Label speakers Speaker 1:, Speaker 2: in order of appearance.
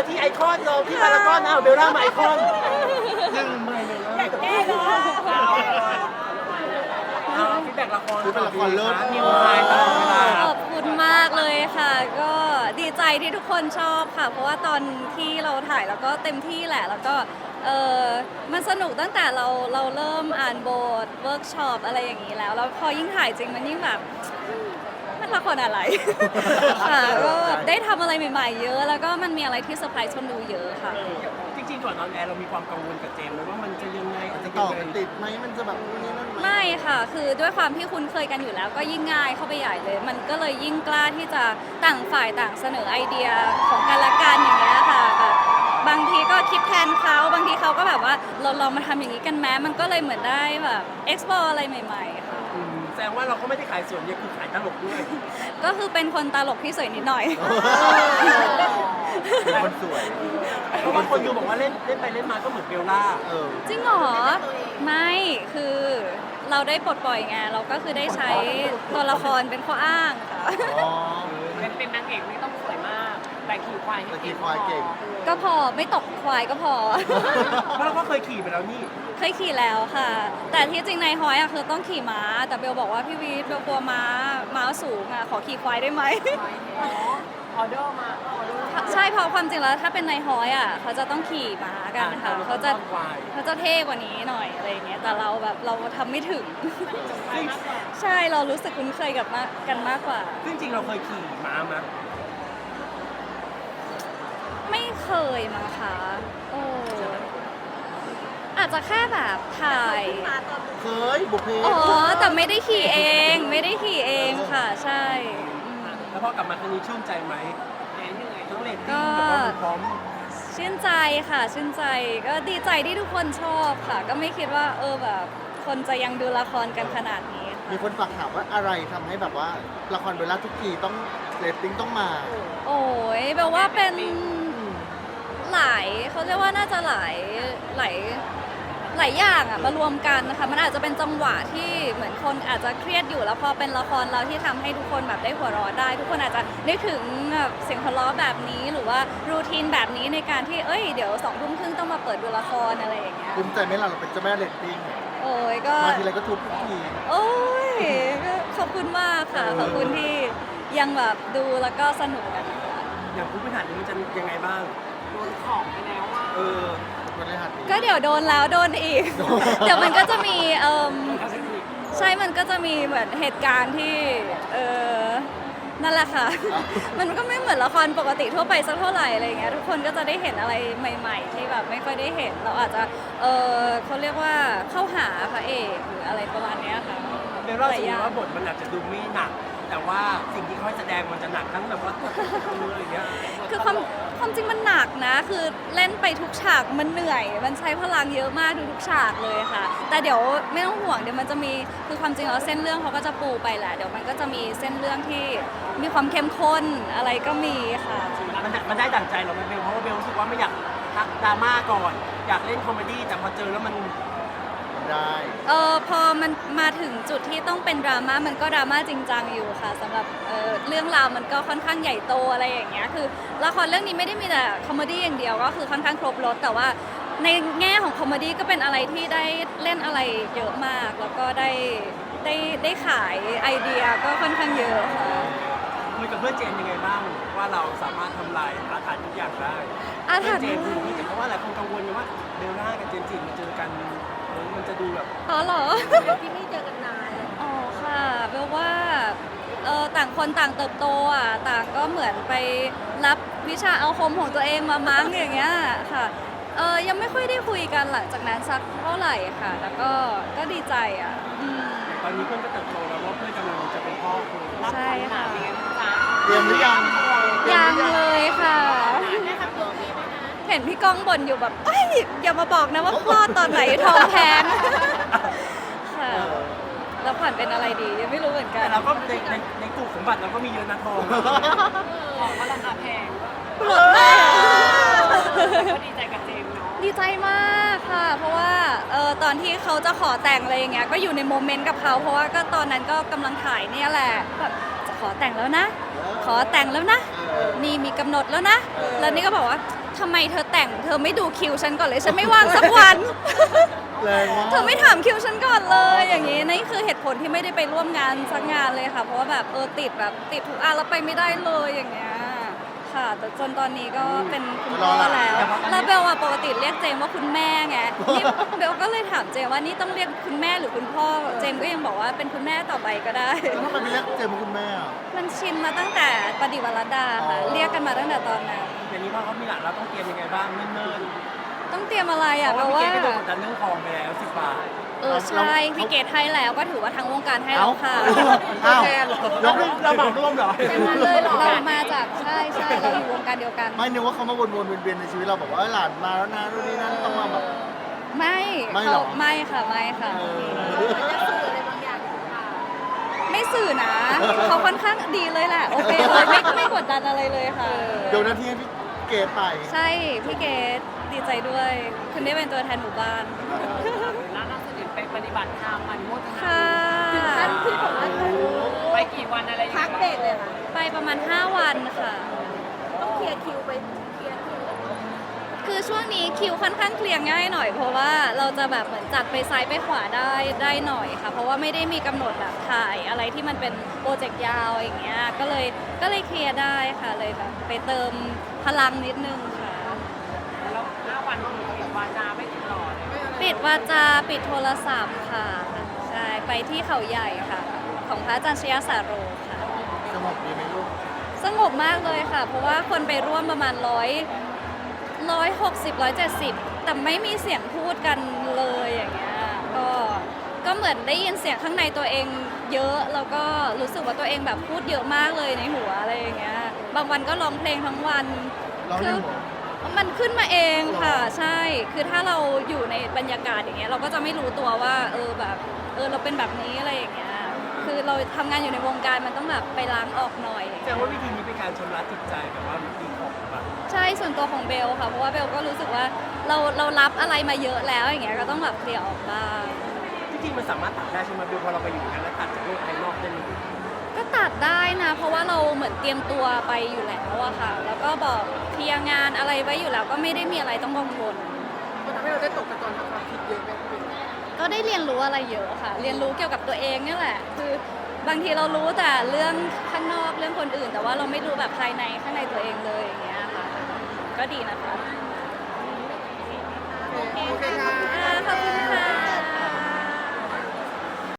Speaker 1: ที่ไอคอนเราที่พารากอนเอาเบลล่ามาไอคอนยังไม่เลย
Speaker 2: แน่นอน
Speaker 1: ฟีดแบ็กละคร
Speaker 3: คือเป็นละครเลิศ
Speaker 1: นิวไฮตลอดเวลา
Speaker 2: ขอบคุณมากเลยค่ะ ก็ดีใจที่ทุกคนชอบค่ะ เพราะว่าตอนที่เราถ่ายแล้วก็เต็มที่แหละ แล้วก็มันสนุกตั้งแต่เราเริ่มอ่านบทเวิร์กช็อปอะไรอย่างนี้แล้วพอยิ่งถ่ายจริงมันยิ่งแบบมันละครอะไร ค่ะก็ได้ทำอะไรใหม่ๆเยอะ แล้วก็มันมีอะไรที่เซอร์ไพรส์คนดูเยอะค่ะ
Speaker 1: จริงๆก่อนนอนแอร์เรามีความกังวลกับเจมส์ไหมว่ามันจะยังไง
Speaker 3: จะต่อกันติดไหมมันจะแบบนู่นนี่นั่นไหม
Speaker 2: ไม่ค่ะ คือด้วยความที่คุ้นเคยกันอยู่แล้วก็ยิ่งง่ายเข้าไปใหญ่เลย มันก็เลยยิ่งกล้าที่จะต่างฝ่ายต่างเสนอไอเดียของกันและกันอย่างเงี้ยค่ะแบบบางทีก็คิดแทนเขาบางทีเขาก็แบบว่าเราลองมาทำอย่างนี้กันแม้มันก็เลยเหมือนได้แบบ explore อะไรใหม่ๆค่ะ
Speaker 1: แสดงว่าเราก็ไม่ได้ขายส่วนเดียวคือขายตลกด้วย
Speaker 2: ก็คือเป็นคนตลกที่สวยนิดหน่อย
Speaker 3: เป็นคนสวย
Speaker 1: เพราะบางคนดูบอกว่าเล่นไปเล่นมาก็เหมือนเบลล่า
Speaker 2: จริงเหรอ ไม่คือเราได้ปลดปล่อยไงเราก็คือได้ใช้ตัวละครเป็นข้ออ้างค่ะ
Speaker 3: อ๋อ
Speaker 4: เป็นนางเอกไม่ต้องสวยมาก แต่ขี่ควายให้
Speaker 3: แต่
Speaker 4: เก่
Speaker 3: ขี่
Speaker 4: ง
Speaker 3: ควายเก่ง
Speaker 2: ก็พอไม่ตกควายก็พอ
Speaker 1: เพราะเราก็เคยขี่ไปแล้วนี่
Speaker 2: เคยขี่แล้วค่ะ แต่ที่จริงในฮอยอะคือต้องขี่ม้า แต่เบลบอกว่าพี่วีทเบลกลัวม้าสูงอะขอขี่ควายได้ไหม
Speaker 4: ออเดอร์มาออเดอร์
Speaker 2: ใช่เพราะความจริงแล้วถ้าเป็นในฮอยอะเขาจะต้องขี่ม้ากันค่ะ
Speaker 1: อ่า
Speaker 2: เขาจะเท่กว่านี้หน่อยอะไรอย่างเงี้ย แต่เราแบบเราทำไม่ถึง ใช่เรารู้สึกคุ้นเคยกับกันมากกว่า
Speaker 1: ซึ่งจริงเราเคยขี่ม้ามา
Speaker 2: ไม่เคยมั้งคะโอ้อาจจะแค่แบบถ่าย
Speaker 3: เคยบุพเพ
Speaker 2: อ๋อ แต่ไม่ได้ขี่เอง ไม่ได้ขี่เองค่ะ ใช่อืม
Speaker 1: แล้วพอกลับมาครั้งนี้ชื่นใจไหม
Speaker 4: เหนื่อย
Speaker 1: ทั้งเรต
Speaker 2: ก็
Speaker 1: ติ้งแบบว่ามันพร้อม
Speaker 2: ชื่นใจค่ะ ชื่นใจ ก็ดีใจที่ทุกคนชอบค่ะ ก็ไม่คิดว่าแบบคนจะยังดูละครกันขนาดนี้ค่ะ
Speaker 3: มีคนฝากถามว่าอะไรทำให้แบบว่าละครเบลล่าทุกทีต้องเรตติ้งต้องมา
Speaker 2: โอ้ยแปลว่าเป็นหลายเขาเรียกว่าน่าจะหลายอย่างอะมารวมกันนะคะมันอาจจะเป็นจังหวะที่เหมือนคนอาจจะเครียดอยู่แล้วพอเป็นละครเราที่ทำให้ทุกคนแบบได้หัวเราะได้ ทุกคนอาจจะนึกถึงแบบเสียงหัวเราะแบบนี้หรือว่ารูทีนแบบนี้ในการที่เดี๋ยว20:30ต้องมาเปิดดูละครอะไรอย่างเงี้ย
Speaker 3: ภูมิใจไหมล่ะเราเป็นเจ้าแม่เรตติ้ง
Speaker 2: โอ้ยก็
Speaker 3: มาทีไรก็ทุบทุกที
Speaker 2: โอ้ยก็ขอบคุณมากค่ะขอบคุณที่ยังแบบดูแล้วก็สนุกกันนะคะ
Speaker 1: อย่างผู้บริหารนี่มันจะยังไงบ้าง
Speaker 4: โดนของไปแล้วว่า
Speaker 1: เออ
Speaker 3: คนเลยหัดดี
Speaker 2: ก็เดี๋ยวโดนแล้วโดนอีก เดี๋ยวมันก็จะมีใช่มันก็จะมีเหมือนเหตุการณ์ที่นั่นแหละค่ะ มันก็ไม่เหมือนละครปกติทั่วไปสักเท่าไหร่อะไรอย่างเงี้ยทุกคนก็จะได้เห็นอะไรใหม่ ๆ ที่แบบไม่ค่อยได้เห็นเราอาจจะเขาเรียกว่าเข้าหาพระเอกหรืออะไรประมาณเนี้ยค่ะ
Speaker 1: เบลล่าสมมติว่าบทมันอาจจะดูไม่หนัก แต่ว่าสิ่งที่เขาให้แสดงมันจะหนักทั้งแบบว่าอะไรอย่างเงี้ย
Speaker 2: คือความจริงมันหนักนะ คือเล่นไปทุกฉากมันเหนื่อย มันใช้พลังเยอะมากทุกฉากเลยค่ะ แต่เดี๋ยวไม่ต้องห่วงเดี๋ยวมันจะมีคือความจริงแล้วเส้นเรื่องเขาก็จะปูไปแหละเดี๋ยวมันก็จะมีเส้นเรื่องที่มีความเข้มข้นอะไรก็มีค่ะ
Speaker 1: มันได้ดั่งใจเราไหมเบลเพราะว่าเบลรู้สึกว่าไม่อยากพักดราม่าก่อน อยากเล่นคอมเมดี้แต่พอเจอแล้วมัน
Speaker 3: ได้
Speaker 2: พอมันมาถึงจุดที่ต้องเป็นดราม่ามันก็ดราม่าจริงจังอยู่ค่ะสำหรับเรื่องราวมันก็ค่อนข้างใหญ่โตอะไรอย่างเงี้ยคือละครเรื่องนี้ไม่ได้มีแต่คอมเมดี้อย่างเดียวก็คือค่อนข้างครบรสแต่ว่าในแง่ของคอมเมดี้ก็เป็นอะไรที่ได้เล่นอะไรเยอะมากแล้วก็ได้ขายไอเดียก็ค่อนข้างเยอะค่ะ
Speaker 1: คุยกับเพื่อนเจนยังไงบ้างว่าเราสามารถทำลายอาถรรพ์ทุกอย่างได้
Speaker 2: อาถรรพ์
Speaker 1: เจนคือนี่เพราะว่าหลายคนกังวลกันว่าเบลล่ากับเจนจิมาเจอกันมันจะดูแบบ
Speaker 2: อ๋อเหรอ
Speaker 4: ที่ไม่เจอกันนาน
Speaker 2: อ๋อค่ะเบลว่าต่างคนต่างเติบโตอ่ะต่างก็เหมือนไปรับวิชาอาคมของตัวเองมามั้งอย่างเงี้ยค่ะยังไม่ค่อยได้คุยกันหลังจากนั้นสักเท่าไหร่ค่ะแต่ก็ดีใจอ่ะอืม
Speaker 1: ตอนนี้เพื่อนก็เติบโตแล้วว่าเพื่อนกำลังจะเป็นพ่อคุณ
Speaker 2: ใช่ค่ะ
Speaker 3: เตรียมหรือยัง
Speaker 2: ยังเลยค่ะ เห็นพี่ก้องบ่นอยู่แบบเอ้ยอย่ามาบอกนะว่าคลอดตอนไหนท้องแพงค่ะแล้วผ่านเป็นอะไรดียังไม่รู้เหมือนกั
Speaker 1: แต่
Speaker 2: น
Speaker 1: เราก็ในกลุ่มสมบัติเราก็มีเยอะนะทอง
Speaker 4: ของก็ราคาแพง
Speaker 2: หลุดมาก
Speaker 4: ก็ดีใจกับเจมส์เนาะ
Speaker 2: ดีใจมากค่ะ เพราะว่าตอนที่เขาจะขอแต่งอะไรอย่างเงี้ยก็อยู่ในโมเมนต์กับเขาเพราะว่าก็ตอนนั้นก็กำลังถ่ายเนี่ยแหละแบบจะขอแต่งแล้วนะ ขอแต่งแล้วนะ นี่มีกำหนดแล้วนะ แล้วนี่ก็บอกว่าทำไมเธอแต่งเธอไม่ดูคิวฉันก่อนเลยฉันไม่ว่างสักวัน
Speaker 3: แรงมาก
Speaker 2: เธอไม่ถามคิวฉันก่อนเลยอย่างนี้นี่คือเหตุผลที่ไม่ได้ไปร่วมงานสักงานเลยค่ะ เพราะว่าแบบติดทุกอันแล้วไปไม่ได้เลยอย่างเงี้ยค่ะแต่จนตอนนี้ก็เป็นคุณพ่อแล้วเบลอะปกติเรียกเจมว่าคุณแม่ไงนี่เบลก็เลยถามเจมว่านี่ต้องเรียกคุณแม่หรือคุณพ่อเจมก็ยังบอกว่าเป็นคุณแม่ต่อไปก็ได้
Speaker 3: แล้วทำไมไม่เรียกเจมส์ว่าคุณแม่อะ
Speaker 2: มันชินมาตั้งแต่ปฏิวัติรัตดาค่ะ
Speaker 3: อ๋อ
Speaker 2: เรียกกันมาตั้งแต่ตอนนั้น
Speaker 1: เดี๋ยวนี้พอเขามีหลานเราต้องเตรียมยังไงบ้างเนิ่น
Speaker 2: ต้องเตรียมอะไร
Speaker 1: ๆเพ
Speaker 2: อ่ะ
Speaker 1: ราะ
Speaker 2: เพ
Speaker 1: ว่า
Speaker 2: ราะ
Speaker 1: พี่
Speaker 2: ว่า
Speaker 1: เกดก็โดนกดดันเรื่องทองไปแล้ว10 บาท
Speaker 2: ใช่พี่เกดให้แล้วก็ถือว่าทั้งวงการให้แล้วค่ะ
Speaker 3: อ้าว
Speaker 1: เราเหมาร่วมเหรอ
Speaker 2: เรามาจากใช่เราอยู่วงการเดียวกัน
Speaker 3: ไม่นึกว่าเขามาวนๆเวียนๆในชีวิตเราบอกว่าหลานมาแล้วนะนู่นนี่นั่นต้องมาแบบ
Speaker 2: ไม่
Speaker 3: ไม่หรอ
Speaker 2: ไม่ค่ะไม่ค่ะ ไม่สื่อนะ เขาค่อนข้างดีเลยแหละ โอเคเลยไม่กดดันอะไรเลยค่ะ
Speaker 3: เดี๋ยวหนาที่ให้พี่เกดไป
Speaker 2: ใช่พี่เกดดีใจด้วย คุณได้เป็นตัวแทนหมู่บ้าน
Speaker 4: แล้วล่าสุดเห็นไปปฏิบัติธรรมอนุโมทนา
Speaker 2: ค่ะ
Speaker 5: ที่บอกว่า
Speaker 4: ไปกี่วันอะไรยังไง
Speaker 5: พักเบรกเลยค่ะ
Speaker 2: ไปประมาณ 5 วันค่ะ
Speaker 5: ต้องเคลียร์คิวไปเคลียร์คิว
Speaker 2: คือช่วงนี้คิวค่อนข้างเคลียร์ง่ายหน่อยเพราะว่าเราจะแบบเหมือนจัดไปซ้ายไปขวาได้หน่อยค่ะ เพราะว่าไม่ได้มีกำหนดแบบถ่ายอะไรที่มันเป็นโปรเจกต์ยาวอย่างเงี้ยก็เลยเคลียร์ได้ค่ะเลยแบบไปเติมพลังนิดนึงค่ะ
Speaker 4: แล้ว5 วันปิดวาจาไม่ติดต่อเลย
Speaker 2: ปิดวาจาปิดโทรศัพท์ค่ะใช่ไปที่เขาใหญ่ค่ะ ของพระอาจารย์ชยสาโรค่ะ
Speaker 3: สงบดีไหมลูก
Speaker 2: สงบมากเลยค่ะ เพราะว่าคนไปร่วมประมาณ160-170 แต่ไม่มีเสียงพูดกันเลยอย่างเงี้ยก็เหมือนได้ยินเสียงข้างในตัวเองเยอะแล้วก็รู้สึกว่าตัวเองแบบพูดเยอะมากเลยในหัวอะไรอย่างเงี้ยบางวันก็ร้องเพลงทั้งวัน
Speaker 3: ร้องในหัว
Speaker 2: มันขึ้นมาเองค่ะใช่ คือถ้าเราอยู่ในบรรยากาศอย่างเงี้ยเราก็จะไม่รู้ตัวว่าแบบเราเป็นแบบนี้อะไรอย่างเงี้ยคือเราทำงานอยู่ในวงการมันต้องแบบไปล้างออกหน่อย
Speaker 1: แต่ว่าวิธีนี้เป็นการชำระจิตใจแบบว่าดีของแบบ
Speaker 2: ใช่ส่วนตัวของเบลค่ะเพราะว่าเบลก็รู้สึกว่าเรารับอะไรมาเยอะแล้วอย่างเงี้ยก็ต้องแบบเคลียร์ออกบ้าง
Speaker 1: จริงๆมันสามารถตัดได้ใช่ไหมเบลพอเราไปอยู่กันแล้วตัดจากโลกภายนอกได้เลย
Speaker 2: ก็ตัดได้นะ เพราะว่าเราเหมือนเตรียมตัวไปอยู่แล้วอะค่ะ แล้วก็บอกเคลียร์งานอะไรไว้อยู่แล้วก็ไม่ได้มีอะไรต้องกังวล
Speaker 5: มันทำให้เราได้ตกตะกอนทำความคิดเยอะไหมพี่
Speaker 2: ก็ได้เรียนรู้อะไรเยอะค่ะ เรียนรู้เกี่ยวกับตัวเองเนี่ยแหละ คือบางทีเรารู้แต่เรื่องข้างนอกเรื่องคนอื่น แต่ว่าเราไม่รู้แบบภายในข้างในตัวเองเลยอย่างเงี้ยค่ะ ก็ดีนะคะ